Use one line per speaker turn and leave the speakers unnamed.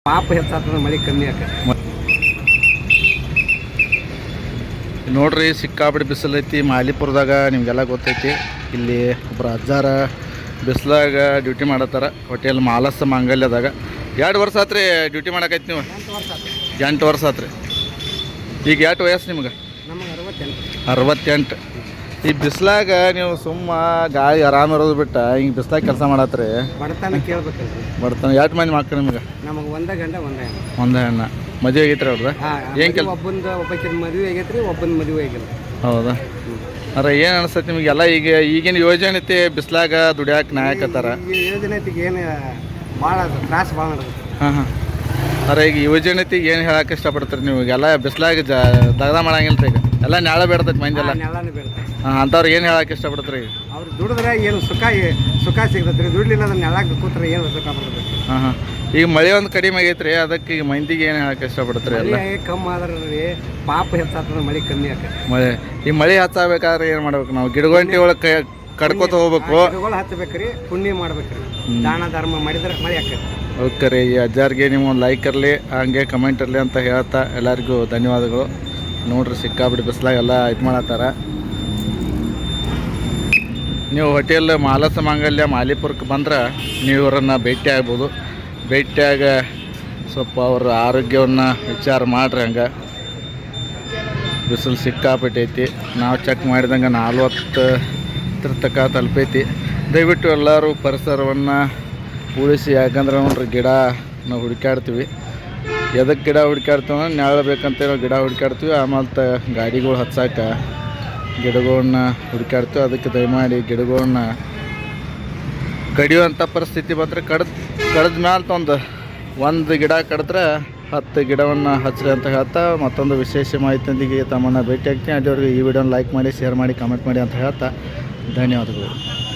ಪಾಪ ಹೆಚ್ಚಾಗ್ತದೆ, ಮಳೆ ಕಮ್ಮಿ ಆಕೈತಿ.
ನೋಡ್ರಿ, ಸಿಕ್ಕಾಪಟ್ಟೆ ಬಿಸಿಲೈತಿ ಮಾಲಿಪುರದಾಗ. ನಿಮಗೆಲ್ಲ ಗೊತ್ತೈತಿ. ಇಲ್ಲಿ ಒಬ್ಬರು ಅಜ್ಜಾರ ಬಿಸಿಲಾಗ ಡ್ಯೂಟಿ ಮಾಡತ್ತಾರ ಹೋಟೆಲ್ ಮಾಲಸ ಮಾಂಗಲ್ಯದಾಗ. 2 ವರ್ಷ ಆತ್ರಿ ಡ್ಯೂಟಿ ಮಾಡಕೈತಿ ನೀವು? 8 ವರ್ಷ ಆತ್ರಿ. ಈಗ ಎಷ್ಟು ವಯಸ್ಸು ನಿಮ್ಗೆ?
ನಮಗೆ
68. ಈ ಬಿಸಿಲಾಗ ನೀವು ಸುಮ್ಮ ಗಾಳಿ ಆರಾಮ ಇರೋದು ಬಿಟ್ಟು ಹಿಂಗೆ ಬಿಸಿಲಾಗ ಕೆಲಸ ಮಾಡತ್ರಿ.
ಬಡತನ ಕೇಳ್ಬೇಕಲ್ರಿ.
ಬಡತನ. ಎಷ್ಟು ಮಂದಿ ಮಕ್ಕಳು ನಿಮ್ಗೆ?
ನಮಗೆ ಒಂದೇ ಗಂಡ ಒಂದೇ ಹೆಣ್ಣು.
ಒಂದೇ ಹೆಣ್ಣ. ಮದುವೆ ಆಗೈತ್ರಿ ಅವ್ರದ್ದು? ಏನು ಕೆಲಸ?
ಒಬ್ಬಕ್ಕಿನ ಮದುವೆ ಆಗೈತ್ರಿ, ಒಬ್ಬನ ಮದುವೆ ಆಗಿಲ್ಲ.
ಹೌದಾ? ಅರೆ ಏನು ಅನಿಸ್ತೈತಿ ನಿಮಗೆಲ್ಲ? ಈಗಿನ ಯೋಜನೆ ಐತಿ ಬಿಸಿಲಾಗ ದುಡಿಯಾಕೆ ನಾಯಕತ್ತಾರ.
ಈ ಯೋಜನೆ ಐತಿಗೆ ಏನು ಭಾಳ ತ್ರಾಸ ಭಾಳ ನಡೆದೈತಿ.
ಹಾಂ. ಅರೆ ಈಗ ಯೋಜನೆ ಐತಿಗೆ ಏನು ಹೇಳಕ್ಕೆ ಇಷ್ಟಪಡ್ತೀರಿ ನೀವು? ಎಲ್ಲ ಬಿಸಿಲಾಗ ದಗದ ಮಾಡಂಗಿಲ್ಲ ರೀ. ಈಗ ಎಲ್ಲ ನೆಳ ಬೇಡ್ತೈತಿ ಮಂದಿಲ್ಲ.
ನೆಲನೇ ಬೀಳ್ತೈತಿ.
ಹಾಂ, ಅಂಥವ್ರಿಗೆ ಏನು ಹೇಳಕ್ಕೆ ಇಷ್ಟಪಡ್ತೀರಿ?
ಅವ್ರು ದುಡಿದ್ರೆ ಏನು ಸುಖ ಸಿಗ್ತೈತೆ ರೀ. ದುಡ್ಲಿಲ್ಲ ಅದನ್ನ ನೆಲಕ್ಕೆ ಕೂತ್ರೆ ಏನು ಸುಖ ಬರ್ತೈತಿ.
ಹಾಂ. ಈಗ ಮಳೆ ಒಂದು ಕಡಿಮೆ ಆಗೈತೆ ರೀ, ಅದಕ್ಕೆ ಈಗ ಮಂದಿಗೆ ಏನು ಹೇಳಕ್ಕೆ ಇಷ್ಟಪಡ್ತೀರಿ? ಎಲ್ಲ
ಕಮ್ಮಿ ಆದ್ರೆ ರೀ ಪಾಪ ಹೆಚ್ಚಾಗ್ತದೆ, ಮಳೆ ಕಮ್ಮಿ ಆಕೈತಿ.
ಈ ಮಳೆ ಹಚ್ಚಾಗಬೇಕಾದ್ರೆ ಏನು ಮಾಡ್ಬೇಕು ನಾವು? ಗಿಡಗಂಟಿ ಒಳಗೆ ಕಡ್ಕೋತ ಹೋಗ್ಬೇಕು.
ಗಿಡಗಳು ಹಚ್ಚಬೇಕ್ರಿ, ಪುಣ್ಯ ಮಾಡ್ಬೇಕ್ರಿ, ದಾನ ಧರ್ಮ ಮಾಡಿದ್ರೆ ಮಳೆ ಆಕೈತಿ.
ಓಕೆ ರೀ. ಈ ಅಜ್ಜಾರಿಗೆ ನೀವು ಒಂದು ಲೈಕ್ ಇರಲಿ, ಹಂಗೆ ಕಮೆಂಟ್ ಇರಲಿ ಅಂತ ಹೇಳ್ತಾ ಎಲ್ಲರಿಗೂ ಧನ್ಯವಾದಗಳು. ನೋಡ್ರಿ, ಸಿಕ್ಕಾಬಿಟ್ಟು ಬಿಸಿಲಾಗ ಎಲ್ಲ ಇದು ಮಾಡತ್ತಾರ. ನೀವು ಹೋಟೆಲ್ ಮಾಲಸ ಮಾಂಗಲ್ಯ ಮಾಲಿಪುರಕ್ಕೆ ಬಂದ್ರೆ ನೀವು ಇವರನ್ನು ಭೇಟಿ ಆಗ್ಬೋದು. ಭೇಟಿಯಾಗ ಸ್ವಲ್ಪ ಅವ್ರ ಆರೋಗ್ಯವನ್ನು ವಿಚಾರ ಮಾಡಿರಿ. ಹಂಗೆ ಬಿಸಿಲು ಸಿಕ್ಕಾಪಟ್ಟೈತಿ. ನಾವು ಚೆಕ್ ಮಾಡಿದಂಗೆ 40 ತನಕ ತಲುಪೈತಿ. ದಯವಿಟ್ಟು ಎಲ್ಲರೂ ಪರಿಸರವನ್ನು ಉಳಿಸಿ. ಯಾಕಂದ್ರೆ ನೋಡ್ರಿ, ಗಿಡ ನಾವು ಹುಡುಕಾಡ್ತೀವಿ. ಎದಕ್ಕೆ ಗಿಡ ಹುಡುಕಾಡ್ತೀವಿ ಅಂದ್ರೆ ನೆರಳು ಬೇಕಂತ ನಾವು ಗಿಡ ಹುಡುಕಾಡ್ತೀವಿ. ಆಮೇಲೆ ಗಾಡಿಗಳು ಹಚ್ಚಾಕ ಗಿಡಗಳನ್ನ ಹುಡುಕಾಡ್ತೀವಿ. ಅದಕ್ಕೆ ದಯಮಾಡಿ ಗಿಡಗಳನ್ನ ಕಡಿಯುವಂಥ ಪರಿಸ್ಥಿತಿ ಬಂದರೆ ಕಡ್ದ ಮ್ಯಾಲೆ ಒಂದು ಗಿಡ ಕಡಿದ್ರೆ 10 ಗಿಡವನ್ನು ಹಚ್ಚಿರಿ ಅಂತ ಹೇಳ್ತಾ ಮತ್ತೊಂದು ವಿಶೇಷ ಮಾಹಿತಿಯೊಂದಿಗೆ ತಮ್ಮನ್ನು ಭೇಟಿ ಆಗ್ತೀನಿ. ಅಲ್ಲಿವರೆಗೂ ಈ ವಿಡಿಯೋನ ಲೈಕ್ ಮಾಡಿ, ಶೇರ್ ಮಾಡಿ, ಕಮೆಂಟ್ ಮಾಡಿ ಅಂತ ಹೇಳ್ತಾ ಧನ್ಯವಾದಗಳು.